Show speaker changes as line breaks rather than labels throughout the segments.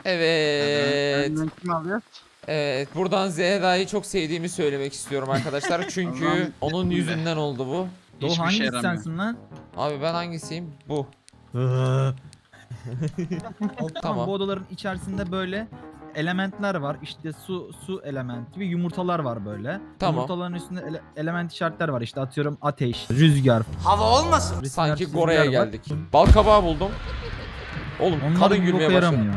Evet.
Önden kim alıyor?
Evet. Buradan Zehra'yı çok sevdiğimi söylemek istiyorum arkadaşlar. Çünkü
Allah'ım,
onun yüzünden oldu bu.
Doğu
Hiçbir şey
hangisi
yaramıyor.
sensin lan?
Abi ben hangisiyim? Bu.
Tamam.
Tamam.
Bu odaların içerisinde böyle elementler var. İşte su element gibi yumurtalar var böyle.
Tamam.
Yumurtaların üstünde element işaretler var. İşte atıyorum ateş, rüzgar.
Hava olmasın.
Sanki
çizgiler
Gora'ya
var.
geldik. Bal kabağı buldum. Oğlum
Onlar
kadın
bir boka
gülmeye başladı.
yaramıyor.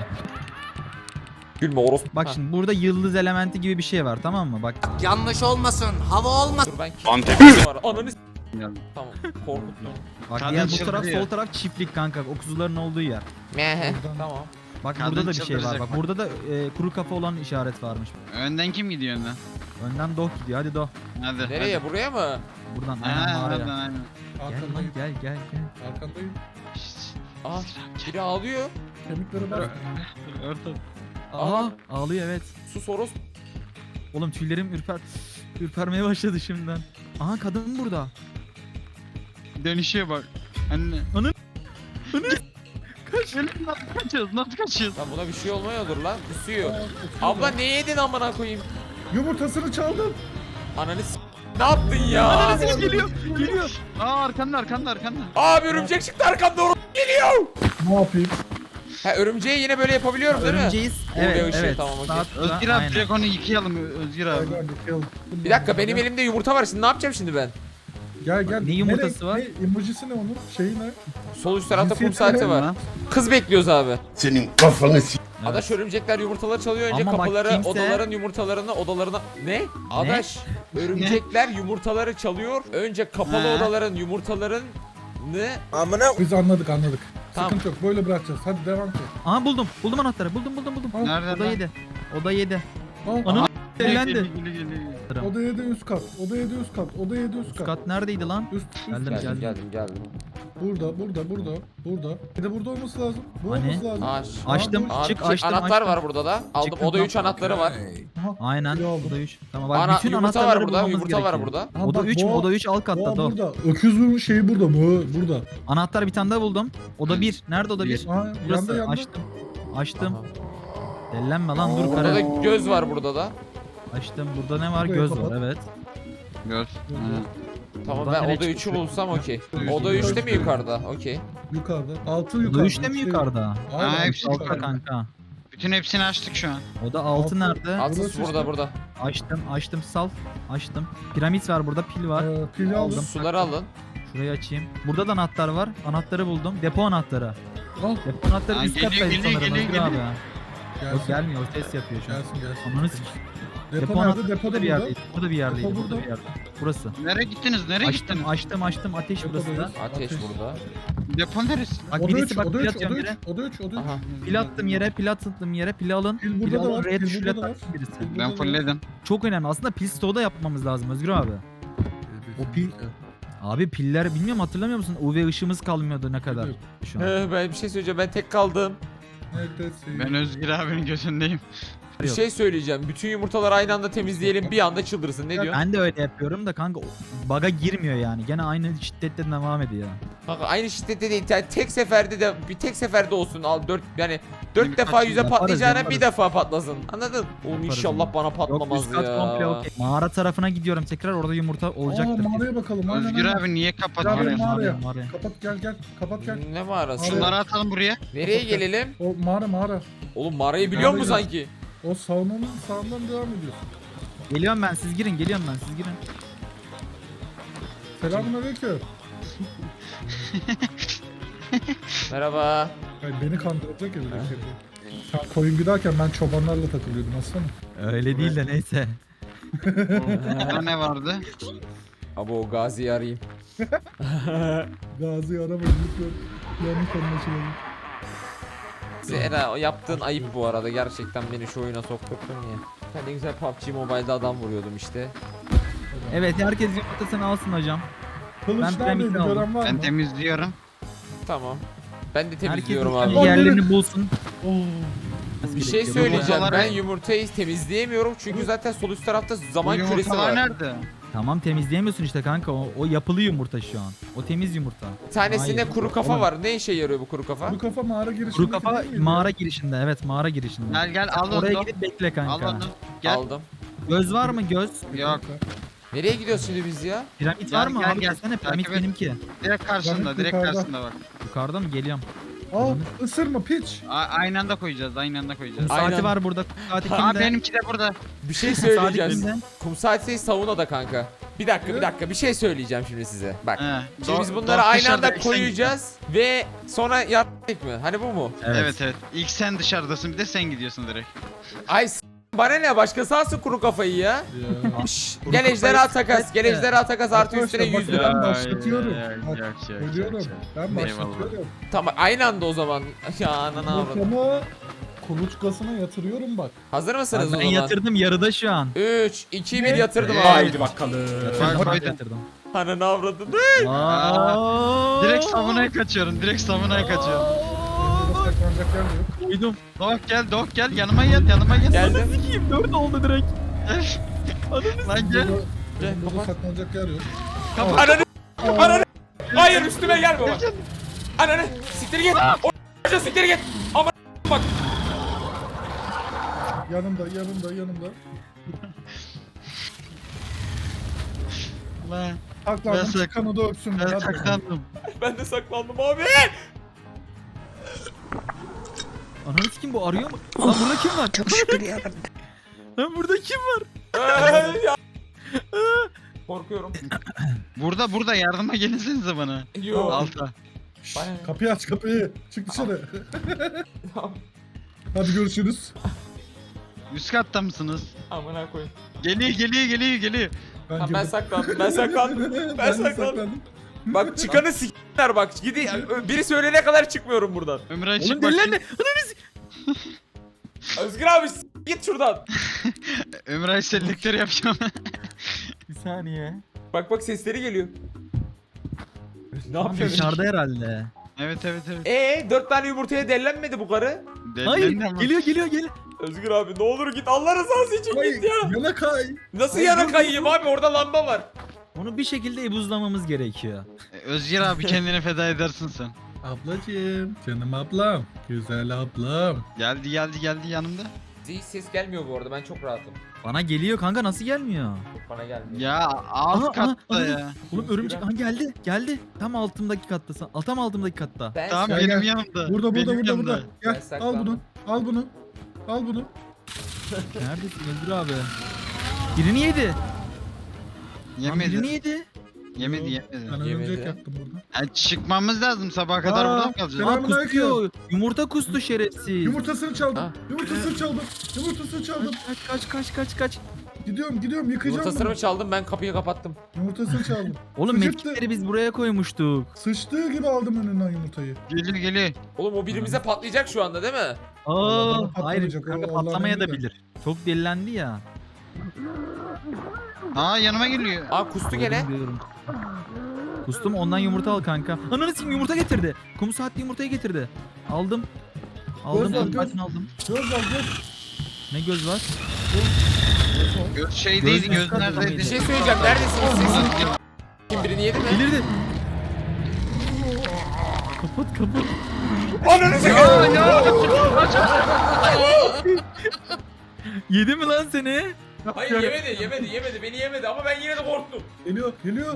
Gülme orospu.
Bak
Ha,
şimdi burada yıldız elementi gibi bir şey var, tamam mı? Bak
Yanlış olmasın. Hava olmasın.
dur ben
Antep.
var. Ananı
Yani.
Tamam. Korkuttum.
Kadın
diğer bu taraf
çıldırıyor.
sol taraf çiftlik kanka. O kuzuların olduğu yer.
Mehe. Tamam.
Bak
Kadın
burada da bir şey var.
çıldıracak
Bak
bak.
burada da kuru kafa olan işaret varmış.
Önden kim gidiyor önden?
Önden Doh gidiyor. Hadi Doh.
Hadi.
Nereye?
hadi.
Buraya mı?
Buradan
Ha,
aynen
oradan
mağaraya.
aynen.
Gel lan
Arkandayım.
gel.
Arkandayım.
Şşt.
Aa, biri ağlıyor.
Kemikleri bas.
Orta.
Aha ağlıyor evet.
Sus orospu.
Oğlum tüylerim ürpermeye başladı şimdiden. Aha kadın burada.
Dönüşüyor bak. Anne.
Anı-
Kaç. Nasıl kaçıyoruz? Nasıl kaçıyoruz?
Lan buna bir şey olmuyordur lan. Kusuyor. Abla ne yedin amına koyayım?
Yumurtasını çaldım.
Ananı ne yaptın ya?
Geliyor.
Aa arkanda.
Abi örümcek çıktı arkamda orospu geliyor.
Ne yapayım?
Ha örümceği yine böyle yapabiliyorum değil mi?
Örümceğiz.
Oluyor
Evet
ışığı,
evet.
tamam, okey.
Sağ tıkla,
Özgür abi
aynen.
direkt onu yıkayalım Özgür abi.
Gel, yıkayalım.
Bir dakika benim elimde yumurta var. Şimdi ne yapacağım şimdi ben?
Gel.
Ne yumurtası var?
Ne emojisi ne onun? Şeyi ne?
Sol üst tarafta kum
Cinsiyeti
saati
ne
var.
Lan.
Kız bekliyoruz abi.
Senin kafanı s***.
Adaş örümcekler yumurtaları çalıyor. Önce
Ama bak
kapıları,
kimse-
odaların yumurtalarını, odalarına... Ne? Adaş örümcekler yumurtaları çalıyor. Önce kapalı
He.
odaların yumurtalarını...
Biz anladık.
Tamam.
Sıkıntı yok. Böyle bırakacağız. Hadi devam et.
Aha buldum. Buldum anahtarı. Buldum.
Al,
Nerede
Oda
lan?
7. Oda 7.
al.
Ananı
Geliyor,
ellendi.
geliyor.
Oda 7 üst kat. Oda 7 üst kat. Oda 7 üst
Üst
kat.
kat neredeydi lan?
Üst.
Geldim.
Burada. Bir de burada olması lazım. Bu
Hani?
olması lazım.
Aç.
Açtım.
Aa,
Çık,
Abi,
açtım,
anahtar
açtım.
var burada da. Aldım.
Çıktım,
Oda 3
tamam.
anahtarı var.
Aha,
Aynen.
biri aldım.
Oda 3. Tamam bak bütün
Yumurta
anahtarları
var burada.
bulmamız
Yumurta var
gerekiyor.
burada.
Ha,
Oda
bak,
3 mü?
boğa-
Oda 3 alt katta
boğa
Doh.
burada. Öküzün şeyi burada. Bu burada.
Anahtar bir tane daha buldum. Oda 1. Nerede oda 1?
Aa,
Burası.
yanda.
Açtım.
Aha.
Dellenme lan dur
Burada da
kare.
göz var burada da.
Açtım. Burada ne var?
Burayı
Göz
kapat.
var evet.
Gör.
Tamam
Buradan
ben
nereye
oda 3'ü
çıkıyor?
bulsam okey.
Üst.
Oda 3'te mi yukarıda? Okey.
Yukarıda. Altı yukarıda.
Oda 3'te mi yukarıda?
Aynen,
Ha, hepsi
yukarıda.
Altta kanka.
Bütün hepsini açtık şu an.
Oda 6
Altı.
nerede?
Altıs
Burası
burada
işte.
burada.
Açtım sal. Açtım. Piramit var burada, pil var.
Pili aldım.
Suları alın.
Şurayı açayım. Burada da anahtar var. Anahtarı buldum. Depo anahtarı.
Al.
Depo anahtarı
Ha,
üst
geliyor,
kattaydı
geliyor,
sanırım
geliyor,
Özgür
geliyor.
abi. ya. Yok
Gelsin.
gelmiyor, o ses yapıyor şu an.
Gelsin.
Ananı s***.
Depo
Depo
nerede?
anahtarı
Depo da
burada bir
burada.
yerdeydi. Burada bir yerdeydi.
Depo
Burada
burada.
bir yerde. Burası.
Nereye gittiniz?
Açtım. Ateş burası da.
Depoda
Ateş burada.
Depo neresi?
Bak
Oda
birisi
3,
bak
oda
pil
3,
atıyorum
oda
yere.
3, oda 3, oda 3.
Aha.
Pil attım yere, pili alın.
Pil
Pili
burada da
alın,
var,
red
pil
şule
burada da var.
taksın birisi.
Pil burada
Ben
da
fullledim.
Çok önemli. Aslında pil stoğu da yapmamız lazım Özgür abi. O pil... Abi piller bilmiyorum, hatırlamıyor musun? UV ışığımız kalmıyordu ne kadar şu an.
Ben bir şey söyleyeceğim. Ben tek kaldım.
Neredesin?
Ben Özgür abinin gözündeyim.
Bir
Yok.
şey söyleyeceğim. Bütün yumurtaları aynı anda temizleyelim. Bir anda çıldırsın. Ne diyorsun?
Ben de öyle yapıyorum da kanka baga girmiyor yani. Gene aynı şiddette devam ediyor.
Kanka aynı şiddette değil. Yani tek seferde olsun. Al 4 yani 4 defa yüze
Yaparız,
patlayacağına
yaparız.
bir defa patlasın. Anladın? Oğlum
Yaparız
inşallah
onu.
bana
Yok
patlamaz
üst kat
ya.
komple okey. Mağara tarafına gidiyorum tekrar, orada yumurta olacaktır.
Mağaraya bakalım. Aynen,
Özgür
aynen.
abi niye
Gel,
kapatıyorsun?
mağaraya.
Mağaraya.
Kapat gel. Kapat gel.
Ne mağarası?
Şunlar-
Şunları atalım buraya.
Nereye gelelim?
O mağara.
Oğlum mağarayı biliyor musun
Mağarayı-
sanki?
O sağından devam ediyorsun.
Geliyorum ben, siz girin, geliyorum ben, siz girin.
Selamünaleyküm.
Merhaba.
Ay, beni kandıracak ya böyle şey. Sen koyun giderken ben çobanlarla takılıyordum aslında.
Öyle değil de neyse.
Burada ne vardı?
Abi o Gazi'yi arayayım.
Gazi aramayın lütfen. Yanlış anlaşılıyor.
Zehra o yaptığın ayıp bu arada. Gerçekten beni şu oyuna sokturttun ya. Ben de güzel PUBG Mobile'da adam vuruyordum işte.
Evet, herkes yumurtasını alsın hocam.
Kılıç
Ben
neredeydi
piramidi aldım.
gören var
Ben
mı?
temizliyorum.
Tamam. Ben de
Herkes
temizliyorum
kendi
abi.
yerlerini bulsun.
Oo.
Bir şey söyleyeceğim.
Yumurtaları-
Ben yumurtayı temizleyemiyorum çünkü zaten sol üst tarafta zaman
Bu
küresi
yumurtalar
var.
nerede?
Tamam temizleyemiyorsun işte kanka. O yapılı yumurta şu an. O temiz yumurta.
Bir tanesinde
Hayır.
kuru kafa
Oğlum.
var. Ne işe yarıyor bu kuru kafa?
Bu kafa mağara girişinde.
Kuru kafa mağara girişinde. Evet mağara girişinde.
Gel al
Oraya
onu.
gidip bekle
Al
kanka.
onu. Gel.
Aldım.
Göz var mı göz?
Yok.
Nereye gidiyoruz şimdi biz ya?
Piramit
Gel,
var mı?
gel,
Abi
gel.
desene piramit
Takip et.
benimki.
Direkt karşında,
Bak,
direkt
yukarıda.
karşında bak.
Yukarıda mı? Geliyorum.
Al ısırma piç.
Aynı anda koyacağız, aynı anda koyacağız.
Kum
Aynen.
saati var burada. Kum saati
Aa
kimde?
benimki de burada.
Bir şey
Kum saati
söyleyeceğiz.
kimde?
Kum saati saunada kanka. Bir dakika bir şey söyleyeceğim şimdi size. Bak.
He.
Şimdi biz
Do-
bunları
do-
aynı
dışarıda
anda
ilk sen
koyacağız ve sonra yaptık mı? Hani bu mu?
gidiyorsun. Evet. İlk sen dışarıdasın, bir de sen gidiyorsun direkt.
Ay bana ne başkası alsın kuru kafayı ya.
Ya.
Şşş,
Kuru
gel
kafayı
ejderha takas.
evet
Gel
de.
ejderha takas artı üstüne
Arkadaşlar,
100
bakın
lira.
ben başlatıyorum. Bak,
Yok,
Söylüyorum. Ben
Eyvallah.
başlatıyorum.
Tamam aynı anda o zaman. Ya anana avradım.
Kafamı kuluçkasına yatırıyorum bak.
Hazır mısınız o
Ben
zaman?
yatırdım yarıda şu an.
3, 2, 1 yatırdım abi.
Haydi bakalım.
Yatırdım,
Bak,
bak,
koydum.
yatırdım.
Ananı avradım.
Aa!
Direkt savunaya kaçıyorum, direkt savunaya kaçıyorum.
Burada saklanacak yer de yok.
Koydum.
Doh gel, yanıma gel, yanıma gel.
Geldim.
Sikiyim 4 oldu direkt.
Lan gel.
Burada,
Gel,
burada
kapat.
saklanacak yer yok.
Ananı. Ananı. Hayır üstüme gelme bak. Ananı. Siktir git. O siktir git. Ama bak.
Yanımda.
Lan
Saklandım
Ben
çıkanı da öpsün.
ben
Hadi bakalım.
saklandım.
Ben de saklandım abi.
Ananı sikeyim bu arıyor mu? Lan burada kim var? Çok şükür ya. Lan burada kim var?
Ya. Korkuyorum.
Burada yardıma gelirsenize bana.
Yok.
Alta.
Bana ne?
Kapıyı aç kapıyı. Çık dışarı. Hadi görüşürüz.
Üst katta mısınız?
Amına koyayım.
Geliyor.
Tamam, ben
girdim.
saklandım. Ben saklandım.
Ben
Ben
de
saklandım. Bak çıkanı s**ler bak. Gidi biri söyleyene kadar çıkmıyorum buradan.
Ömray
Oğlum
çık
deliler
bakayım.
ne?
Özgür abi git şuradan.
Ömray sellikleri yapacağım.
Bir saniye.
Bak sesleri geliyor. Ne
Tam
yapıyorsun?
dışarıda herhalde.
evet.
4 tane yumurtaya dellenmedi bu karı.
Hayır
Delilerin ama.
geliyor.
Özgür abi ne olur git Allah rızası için
Ay,
git ya.
yana kay.
Nasıl
Ay,
yana
dur,
kayayım abi orada lamba var.
Onu bir şekilde ebuzlamamız gerekiyor.
Özgür abi kendini feda edersin sen.
Ablacığım. Canım ablam. Güzel ablam.
Geldi yanımda.
Hiç ses gelmiyor bu arada ben çok rahatım.
Bana geliyor kanka nasıl gelmiyor?
Bana gelmiyor.
Ya alt
Aha,
katta
aha.
ya.
Oğlum örümcek aha geldi. Tam altımdaki kattasın. Tam altımdaki katta.
Ben
Tamam
Gel,
benim
gel.
yanımda.
Burada
Benim yanımda.
burada.
Ben
Gel al
saklandım.
bunu. Al bunu.
Neredesin Özgür abi? Birini yedi. Lan birini
Yemedi.
yedi.
Yemedi.
Ben
Yemedi.
örümcek yaptım burada.
Yani çıkmmış lazım sabaha kadar
Aa,
burada mı kalacağız?
selam.
Aa kustuyor. Yumurta kustu şerefsiz.
Yumurtasını çaldım.
Ha.
Yumurtasını çaldım.
Kaç.
Gidiyorum yıkayacağım
Yumurtasını
bunu.
mı çaldım ben kapıyı kapattım.
Yumurtasını çaldım.
Oğlum
Sıçıttı.
medkitleri biz buraya koymuştuk.
Sıçtığı gibi aldım önünden yumurtayı.
Geliyor.
Oğlum o birimize patlayacak şu anda değil mi?
Aa,
bana
hayır
patlamayacak,
kanka
o Allah'ın
patlamaya da
emri de.
bilir. Çok delilendi ya.
Aa yanıma geliyor.
Aa kustu gene.
Diyorum. Kustum ondan yumurta al kanka. Ananı sikeyim yumurta getirdi. Kum saatli yumurtayı getirdi. Aldım.
Göz al,
kum
göz.
saatini aldım.
Göz al göz.
Ne göz var?
Göz şeydeydi,
Göz
göz neredeydi?
Bir şey söyleyeceğim neredesiniz siz? Kim birini yedi mi?
Delirdi. Kapat.
Ananı sikeyim.
Yedi mi lan seni?
Hayır yemedi beni yemedi ama ben yine de korktum.
Geliyor.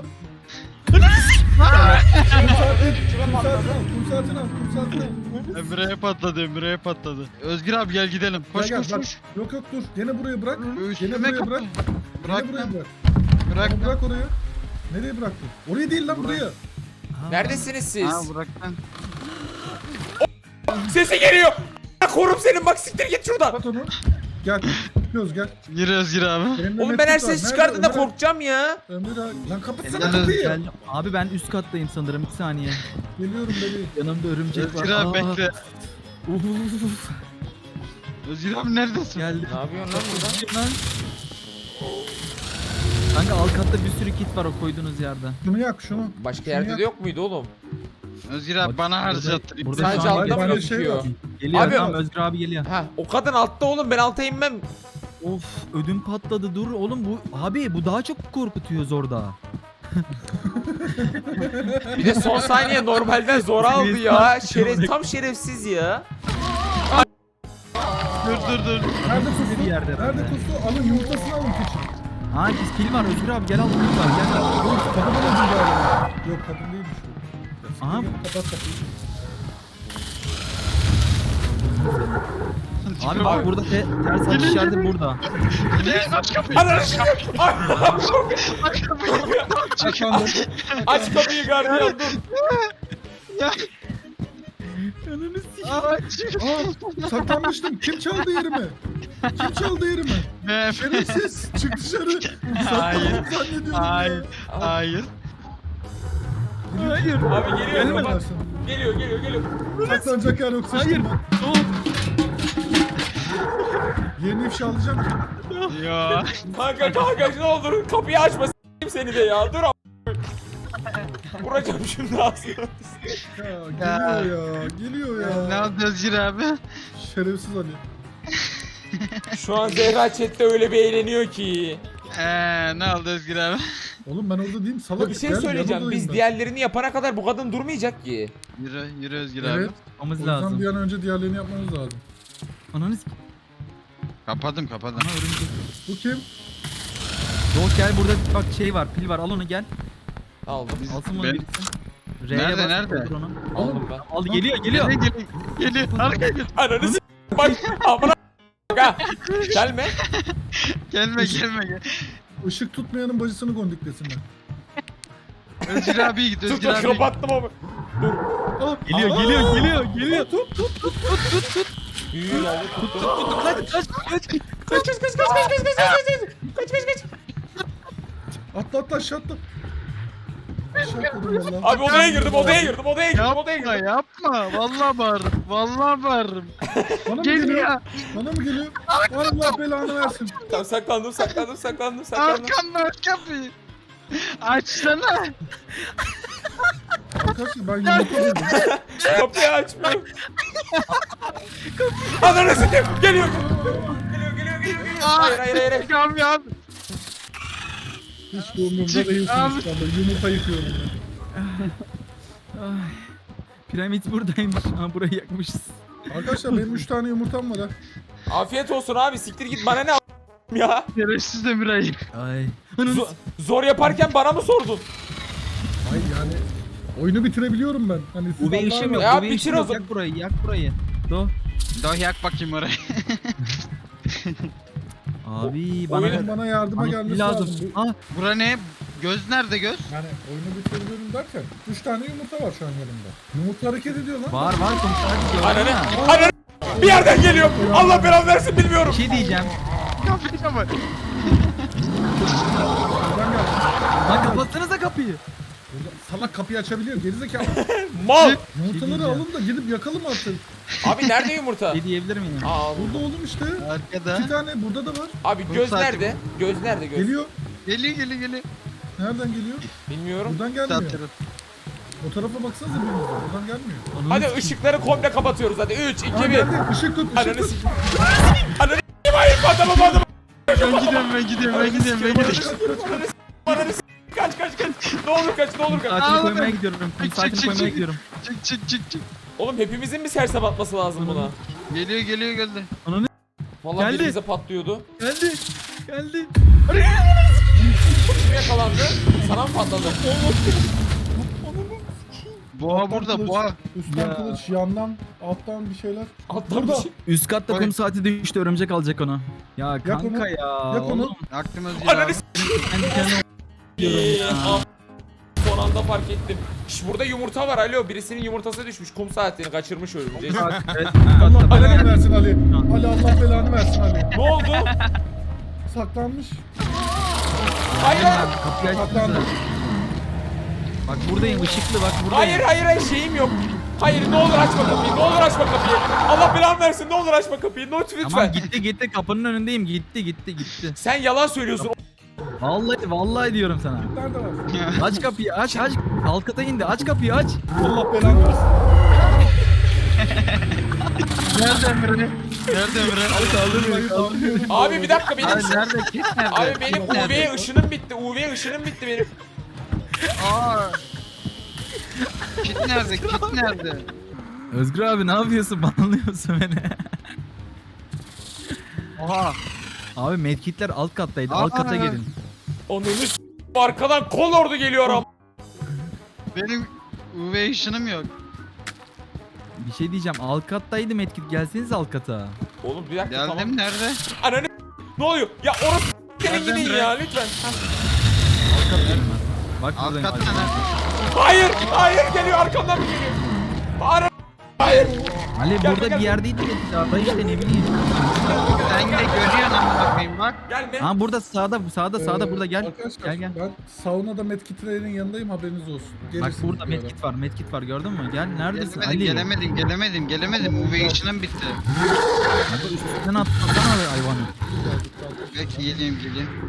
Kum saatini al.
Ömreye patladı. Özgür abi gel gidelim. Koş
Gel,
koş
bak.
koş.
Yok dur. Gene buraya bırak. Gene
Üstüme
buraya
kapı.
bırak.
Bırak
Gene buraya
lan.
bırak.
Bırak
Ama
lan.
bırak oraya. Nereye bıraktın? Oraya değil lan buraya.
Neredesiniz siz?
Ha bırak lan.
Sesi geliyor. Korum senin bak siktir git şuradan.
Kapat onu. Gel. Göz gel.
Yürü Özgür abi.
Elimde
Oğlum ben her
medkit var.
ses
Nerede
çıkardığında
Ömer?
korkacağım ya.
Ömer abi. Lan kapatsana
Gel,
kapıyı.
Geldim. Abi ben üst kattayım sanırım. Bir saniye.
Geliyorum bebeğim.
Yanımda örümcek var.
Özgür abi bekle.
Uf.
Özgür abi neredesin?
Geldi.
Ne yapıyorsun lan burada?
Kim lan? Kanka alt katta bir sürü kit var o koyduğunuz yerde.
Şunu yak şunu.
Başka yerde de yok muydu oğlum?
Özgür abi bana harcattı.
Burada
Sadece
şu an
altta mı
bende şey
gözüküyor?
var.
geliyor.
Abi-
Tamam Özgür abi geliyor.
Ha o kadın altta oğlum ben alta inmem.
Of ödüm patladı dur oğlum bu abi bu daha çok korkutuyor zorda.
Bir de son saniye normalden zor aldı ya. Tam şerefsiz ya.
Dur.
Nerede kustu?
Bir yerde.
Nerede kustu? Alın yumurtasını alın küçük.
Aa biz pil var Özgür abi gel al pil var gel.
Oğlum kadın olacak galiba. Yok kadın değilmiş bu.
Aha.
Kapat kapıyı.
Abi bak burada ters atış işareti burada.
Ananı
Kapandı.
Aç kapıyı gardiyan dur.
Aa, saklanmıştım. Kim çaldı yerimi? Kim çaldı yerimi?
Ben.
Şerefsiz. Çık dışarı.
Hayır.
Saklandım zannediyorum
Hayır.
ya.
Hayır.
Hayır.
Abi geliyor
Gelme
kapat.
dersin.
Geliyor.
Saklanacak yer yok.
Hayır.
Sıçtım ben.
Dur.
Yerini ifşa alacağım ki.
Ya.
Kanka ne olur kapıyı açma s**eyim seni de ya. Dur vuracağım şimdi ağzına.
Ya geliyor ya. Geliyor
Ne
ya.
oldu Özgür abi?
Şerefsiz Ali.
Şu an Zehra chatte öyle bir eğleniyor ki.
Ne oldu Özgür abi?
Oğlum ben orada değilim. Salak.
Ya bir şey
Gel,
söyleyeceğim.
yanındayım
Biz
ben.
diğerlerini yapana kadar bu kadın durmayacak ki.
Yürü Özgür
Evet.
abi.
O
Yapmamız
yüzden
lazım.
bir an önce diğerlerini yapmamız lazım.
Ananı s**.
Kapadım.
Aha örümcek.
Bu kim?
Yok gel burada bak şey var pil var al onu gel.
Aldım.
Alsın bunu
Ben-
birisi. R'ye
Nerede,
bas,
nerede?
kaldır onu.
Aldım ben.
Al geliyor.
Geliyor. Arkaya gel.
Ananı s**. Bak amına ha. Gelme.
Gelme.
Işık tutmayanın bacısını gondiklesinler.
Özgür abi git Özgür
Tut
abi.
kapattım ama.
Aa,
Geliyor.
Tut.
Büyüğü aldı tuttum.
Kaç.
Kaç.
Atla aşağı atla. Aşağı atladım valla.
Abi odaya girdim.
Yapma. Vallahi bağırırım.
Bana mı
Gel
geliyor?
ya.
Bana mı geliyor? Allah belanı versin.
Tamam saklandım.
Arkamda aç kapıyı. Açsana.
Arkadaşlar ben yumurta buldum.
Kapıyı açmıyor. Ananı s**eyim. Geliyor. Hayır.
Kamyon.
Hiç de umurumda değilsiniz şu anda. Yumurta yıkıyorum ben.
Ay. Piramit buradaymış. Ha burayı yakmışız.
Arkadaşlar benim 3 tane yumurtam var ha.
Afiyet olsun abi. Siktir git bana ne ya.
Şerefsiz Demiray'ı.
Ay.
Zor yaparken bana mı sordun?
Hayır yani oyunu bitirebiliyorum ben. Hani siz
UV ışığım yok.
anlayamıyorsunuz.
Ya
UV
bitir
ışığım
o
yok.
zaman.
Yak burayı. Do.
Dur yak bakayım orayı.
Abi bana
Oyunun bana yardıma
bana
gelmesi
pil
lazım.
lazım.
Bu-
Ha
Bura ne? Göz nerede göz?
Yani oyunu bitirebiliyorum derken 3 tane yumurta var şu an yanımda. Yumurta hareket ediyor lan.
var komiser.
Ananı. Bir yerden geliyor. Allah belanı versin bilmiyorum.
Bir şey diyeceğim.
Kapıyı kapat.
Buradan geldi.
Lan kapatsanıza kapıyı.
Burada salak kapıyı açabiliyor gerizekalı.
Mal.
Yumurtaları
diyeceğim.
alın da gidip yakalım artık.
Abi nerede yumurta?
Ne diyebilir miyim?
Aa,
Burada oğlum işte.
Arkada.
2 tane burada da var.
abi
Bu
göz
saati-
nerede? Göz nerede göz?
Geliyor.
Geliyor.
Nereden geliyor?
Bilmiyorum.
Buradan
Sağ
gelmiyor.
taraf.
O tarafa baksanıza birinize. Buradan gelmiyor.
Hadi ışıkları komple kapatıyoruz hadi. 3, 2,
Aa
1.
geldi. Işık tut. Işık
Ananı
tut.
s**eyim. Ananı s**eyim. Hayır adamım.
Ben gidiyorum.
Ananı s**eyim. Kaç. Ne olur kaç.
Saatini
Ağlama.
koymaya gidiyorum. Saatini
Çık.
koymaya gidiyorum.
Çık.
Oğlum hepimizin mi sersem atması lazım buna?
Geliyor geldi.
Vallahi
Geldi.
birimize patlıyordu.
Geldi.
Kim yakalandı? Sana mı patladı?
Boğa burada boğa.
Üstten
Ya.
kılıç, yandan, alttan bir şeyler.
Alttan bir
Burada.
şey.
Üst katta
Oy.
kum saati düştü örümcek alacak onu. Ya kanka
onu,
ya.
yak onu.
oğlum,
Aklım Özgür
Ananı
abi.
s**eyim.
kendi kendime diyorum ya.
Son anda fark ettim. Şş, burada yumurta var alo. Birisinin yumurtası düşmüş. Kum saatini kaçırmış örümcek.
Bak, evet,
Allah
üst katta.
belanı versin Ali. Ali Allah belanı versin Ali.
Ne oldu?
Saklanmış.
Hayır.
Kapıyı
Saklandı.
açtınız. Bak buradayım ışıklı bak buradayım.
Hayır şeyim yok. Hayır ne olur açma kapıyı. Allah belanı versin ne olur açma kapıyı. Lütfen.
Tamam gitti kapının önündeyim gitti.
Sen yalan söylüyorsun.
Vallahi diyorum sana.
Nerede var?
Aç kapıyı aç. Alt kata indi aç kapıyı aç.
Allah belanı versin.
Nerede Emre? Nerede Emre?
Abi bir dakika benim.
Abi nerede? Kit nerede?
Abi benim
Kit nerede?
UV ışınım bitti. UV ışınım bitti benim.
Aa. Kit nerede? Kit nerede?
Özgür abi ne yapıyorsun? Banlıyorsun beni.
Oha.
Abi medkitler alt kattaydı.
Aa.
Alt kata gelin.
Onun arkadan kol ordu geliyor ama.
Benim UV ışınım yok.
Bir şey diyeceğim. Alt kattaydı medkit. Gelseniz alt kata.
Oğlum bir dakika
Geldim
tamam.
nerede?
Ananı ne oluyor? Ya orası senin
Nereden
gidin
bre?
ya lütfen.
Alt kattayım ben. Bak
Alt
buradayım.
katta
Ali.
nerede?
Hayır, hayır geliyor arkamdan mı geliyor? Hayır.
Ali
Gel,
burada
gel.
bir yerdeydi medkit. Arada işte ne bileyim.
Sen de görüyorsun amına koyayım bak.
Gelme.
Ha burada sağda burada gel.
Arkadaşlar
Gel.
ben saunada medkitlerin yanındayım, haberiniz olsun.
Bak
Gelirsiniz
burada
bir ara.
medkit var gördün mü? Gel neredesin
Gelemedim. UV ışınım bitti.
Abi üstünden atlasana abi hayvanı.
Geldik, geldik.
Belki geleyim.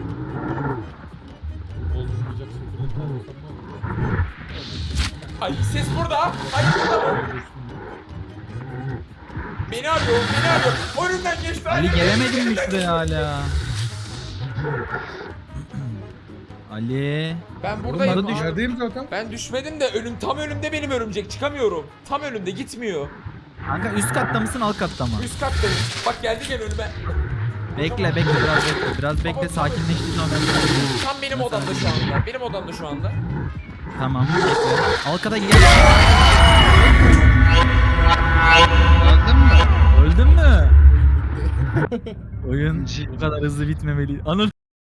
Bozulmayacak şekilde kalmasam ne olur?
Ay ses burada. Hayır burada mı? Beni arıyor. Önümden geçti.
Ali gelemedin mi şuraya hala? Ali.
Ben
Oğlum
buradayım.
Burada
ben
düş-
yerdeyim zaten.
Ben düşmedim de tam önümde benim örümcek. Çıkamıyorum. Tam önümde gitmiyor.
Kanka üst katta mısın alt katta mı?
Üst kattayım. Bak geldi gel önüme.
Bekle biraz bekle sakinleştiğin zaman ben sana-
Tam benim odamda şu anda. Benim odamda şu anda.
Tamam bekle. Alt kata gel.
Öldün mü?
Öldün mü? Oyun bu kadar hızlı bitmemeli. Anıl.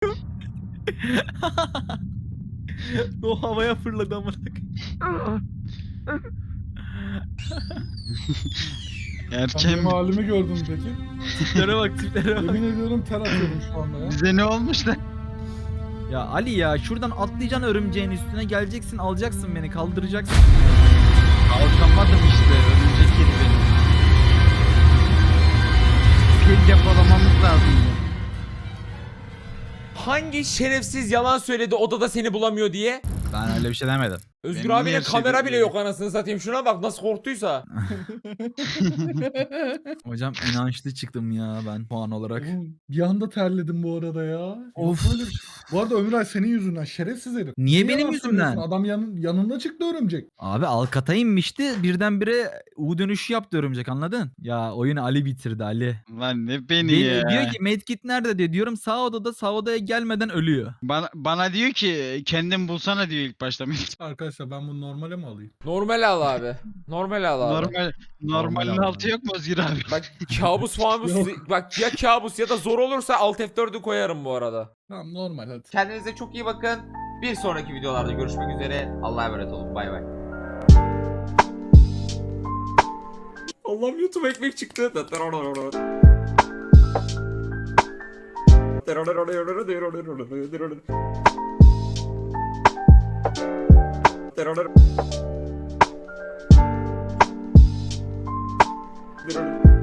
O havaya fırladı amına koyayım.
Sen
Erken
benim halimi gördün mü peki?
Tiplere bak.
Yemin ediyorum ter atıyorum şu anda ya.
bize ne olmuş da?
Ya Ali ya şuradan atlayacaksın örümceğin üstüne geleceksin alacaksın beni kaldıracaksın.
Kalkamadım işte. Örümcek yedi beni. Pil depolamamız lazım.
Hangi şerefsiz yalan söyledi odada seni bulamıyor diye?
Ben öyle bir şey demedim.
Özgür
Benim
abinin
niye
kamera
şey
bile
değil?
yok anasını satayım. Şuna bak nasıl korktuysa.
Hocam inançlı çıktım ya ben puan olarak.
Oğlum, bir anda terledim bu arada ya.
Of.
Yok böyle bir şey. Bu arada Ömür Ay senin yüzünden şerefsiz herif.
Niye benim
yalan
yüzümden?
söylüyorsun? Adam yanında çıktı örümcek.
Abi Alkat'a inmişti birdenbire U dönüşü yaptı örümcek anladın? Ya oyunu Ali bitirdi Ali.
Lan ne beni ya.
Diyor ki medkit nerede diyor. Diyorum sağ odada sağ odaya gelmeden ölüyor.
Bana diyor ki kendin bulsana diyor ilk başta.
Arkadaşlar ben bunu normale mi alayım?
Normal al abi. Normal al abi.
Normalin
abi.
altı yok mu Özgür abi?
Bak kabus falan
Yok.
bak ya kabus ya da zor olursa alt F4'ü koyarım bu arada.
Tamam normal hadi.
Kendinize çok iyi bakın. Bir sonraki videolarda görüşmek üzere. Allah'a emanet olun. Bay bay. Allah'ım YouTube ekmek çıktı. Terör.